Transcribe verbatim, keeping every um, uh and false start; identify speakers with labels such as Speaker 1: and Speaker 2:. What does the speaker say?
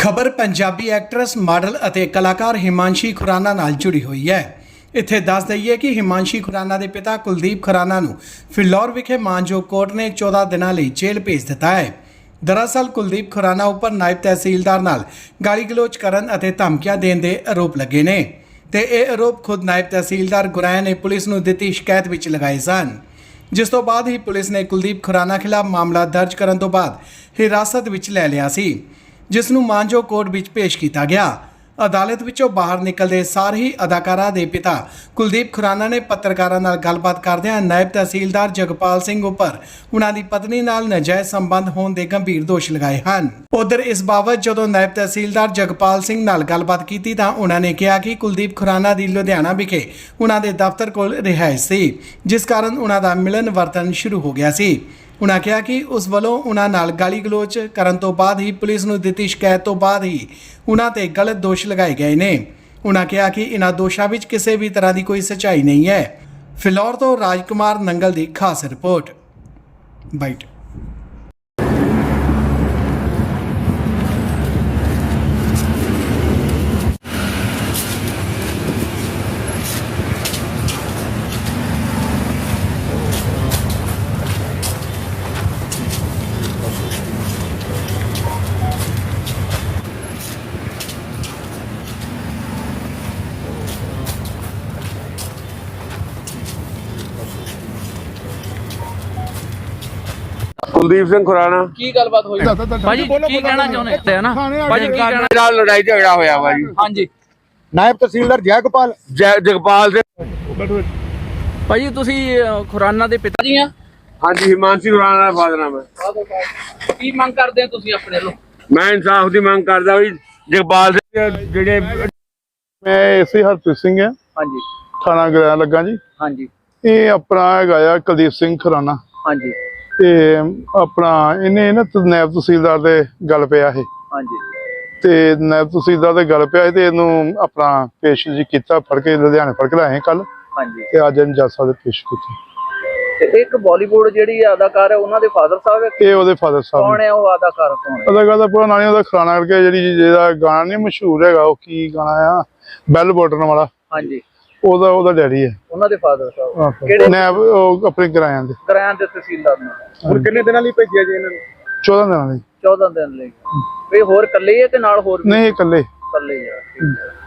Speaker 1: खबर Punjabi actress model ਅਤੇ ਕਲਾਕਾਰ ਹਿਮਾਂਸ਼ੀ ਖੁਰਾਨਾ ਨਾਲ जुड़ी हुई है। ਇੱਥੇ ਦੱਸ ਦਈਏ ਕਿ ਹਿਮਾਂਸ਼ੀ ਖੁਰਾਨਾ ਦੇ ਪਿਤਾ ਕੁਲਦੀਪ ਖੁਰਾਨਾ ਨੂੰ ਫਿਲੌਰ ਵਿਖੇ ਮਾਨਜੋ ਕੋਰਟ ਨੇ ਚੌਦਾਂ ਦਿਨਾਂ ਲਈ ਜੇਲ੍ਹ ਭੇਜ ਦਿੱਤਾ ਹੈ। ਦਰਅਸਲ ਕੁਲਦੀਪ ਖੁਰਾਨਾ ਉੱਪਰ ਨਾਇਬ ਤਹਿਸੀਲਦਾਰ ਨਾਲ ਗਾਲੀ ਗਲੋਚ ਕਰਨ ਅਤੇ ਧਮਕੀਆਂ ਦੇਣ ਦੇ ਆਰੋਪ ਲੱਗੇ ਨੇ ਤੇ ਇਹ ਆਰੋਪ ਖੁਦ ਨਾਇਬ ਤਹਿਸੀਲਦਾਰ ਗੁਰਾਇਆ ਨੇ ਪੁਲਿਸ ਨੂੰ ਦਿੱਤੀ ਸ਼ਿਕਾਇਤ ਵਿੱਚ ਲਗਾਏ ਸਨ, ਜਿਸ ਤੋਂ ਬਾਅਦ ਹੀ ਪੁਲਿਸ ਨੇ ਕੁਲਦੀਪ ਖੁਰਾਨਾ ਖਿਲਾਫ ਮਾਮਲਾ ਦਰਜ ਕਰਨ ਤੋਂ ਬਾਅਦ ਹਿਰਾਸਤ ਵਿੱਚ ਲੈ ਲਿਆ ਸੀ, ਜਿਸ ਨੂੰ ਮਾਨਜੋ ਕੋਰਟ ਵਿੱਚ ਪੇਸ਼ ਕੀਤਾ ਗਿਆ। ਅਦਾਲਤ ਵਿੱਚੋਂ ਬਾਹਰ ਨਿਕਲਦੇ ਸਾਰ ਹੀ ਅਦਾਕਾਰਾ ਦੇ ਪਿਤਾ ਕੁਲਦੀਪ ਖੁਰਾਨਾ ਨੇ ਪੱਤਰਕਾਰਾਂ ਨਾਲ ਗੱਲਬਾਤ ਕਰਦਿਆਂ ਨਾਇਬ ਤਹਿਸੀਲਦਾਰ ਜਗਪਾਲ ਸਿੰਘ ਉੱਪਰ ਉਹਨਾਂ ਦੀ ਪਤਨੀ ਨਾਲ ਨਾਜਾਇਜ਼ ਸੰਬੰਧ ਹੋਣ ਦੇ ਗੰਭੀਰ ਦੋਸ਼ ਲਗਾਏ ਹਨ। ਉਧਰ ਇਸ ਬਾਬਤ ਜਦੋਂ ਨਾਇਬ ਤਹਿਸੀਲਦਾਰ ਜਗਪਾਲ ਸਿੰਘ ਨਾਲ ਗੱਲਬਾਤ ਕੀਤੀ ਤਾਂ ਉਹਨਾਂ ਨੇ ਕਿਹਾ ਕਿ ਕੁਲਦੀਪ ਖੁਰਾਨਾ ਦੀ ਲੁਧਿਆਣਾ ਵਿਖੇ ਉਹਨਾਂ ਦੇ ਦਫ਼ਤਰ ਕੋਲ ਰਿਹਾਇਸ਼ ਸੀ, ਜਿਸ ਕਾਰਨ ਉਹਨਾਂ ਦਾ ਮਿਲਨ ਵਰਤਨ ਸ਼ੁਰੂ ਹੋ ਗਿਆ ਸੀ। उन्होंने कहा कि उस वालों उन्होंने नाल गाली गलोच करन तो बाद ही पुलिस नूं दित्ती शिकायत तो बाद ही उन्होंने ते गलत दोष लगाए गए ने। उन्होंने कहा कि इन्हां दोषां विच किसी भी तरह की कोई सच्चाई नहीं है। फिलौर तो राजकुमार नंगल की खास रिपोर्ट बाइट।
Speaker 2: कुलदीप सिंह खुराना
Speaker 3: की गलबात हुई भाजी की कहना चाहते हैं ना भाजी की कहना
Speaker 2: नाल लड़ाई झगड़ा होया वा जी।
Speaker 3: हां जी
Speaker 4: नायब तहसीलदार जयगोपाल
Speaker 2: जगपाल सिंह
Speaker 3: भाजी ਤੁਸੀਂ ਖੁਰਾਨਾ ਦੇ ਪਿਤਾ ਜੀ ਆ।
Speaker 2: हाँ जी हिमांशी खुराना ਦਾ ਫਾਦਰ ਨਾਮ ਹੈ।
Speaker 3: ਕੀ ਮੰਗ ਕਰਦੇ ਆ ਤੁਸੀਂ ਆਪਣੇ ਵੱਲੋਂ?
Speaker 2: मैं इंसाफ ਦੀ ਮੰਗ ਕਰਦਾ ਵੀ ਜਗਪਾਲ ਸਿੰਘ ਜਿਹੜੇ
Speaker 5: मैं एसी हरप्रीत सिंह है,
Speaker 3: ਹਾਂਜੀ
Speaker 5: थाना गराया लगा जी।
Speaker 3: ਹਾਂਜੀ
Speaker 5: ये अपना हैगा आ कुलदीप सिंह खुराना
Speaker 3: ਹਾਂਜੀ
Speaker 5: ते अपना इन्हें ना नायब तहसीलदार दे गल पिया है
Speaker 3: ਹਾਂਜੀ
Speaker 5: ते नायब तहसीलदार दे गल पिया ते इनू अपना पेश जी कीता, फड़ के लुधियाने फड़ के लाए कल
Speaker 3: ਹਾਂਜੀ
Speaker 5: ते अज इन जज साहब दे पेश कीते।
Speaker 3: ਤੇ ਇੱਕ ਬਾਲੀਵੁੱਡ ਜਿਹੜੀ ਅਦਾਕਾਰ ਹੈ ਉਹਨਾਂ ਦੇ ਫਾਦਰ ਸਾਹਿਬ ਹੈ।
Speaker 5: ये ओदे फादर साहब
Speaker 3: ਕੌਣ ਹੈ ਉਹ ਅਦਾਕਾਰ ਕੌਣ ਹੈ?
Speaker 5: अदाकार दा पूरा नाम ओदा खुराना करके जेहड़ी जेहदा गाना नहीं मशहूर हैगा ओ की गाना आ बैल बटन वाला,
Speaker 3: ਹਾਂਜੀ
Speaker 5: ओदा ओदा डैडी है।
Speaker 3: ਉਹਨਾਂ ਦੇ ਫਾਦਰ ਸਾਹਿਬ
Speaker 5: आहो।
Speaker 3: ਕਿਹੜੇ
Speaker 5: नायब ओ अपने किराया दे
Speaker 3: ਕਰਾਇਆਂ ਦੇ ਤਹਿਸੀਲਦਾਰ ਨੂੰ
Speaker 4: ਹੁਣ ਕਿੰਨੇ ਦਿਨਾਂ ਲਈ ਭੇਜਿਆ ਜੀ ਇਹਨਾਂ ਨੂੰ?
Speaker 5: चौदह दिन
Speaker 3: ਚੌਦਾਂ ਦਿਨ ਲਈ। ਵੀ ਹੋਰ ਇਕੱਲੇ ਹੀ ਹੈ ਕਿ ਨਾਲ ਹੋਰ ਵੀ?
Speaker 5: नहीं कल्ले
Speaker 3: ਇਕੱਲੇ ਹੀ ਆ। ਠੀਕ ਹੈ।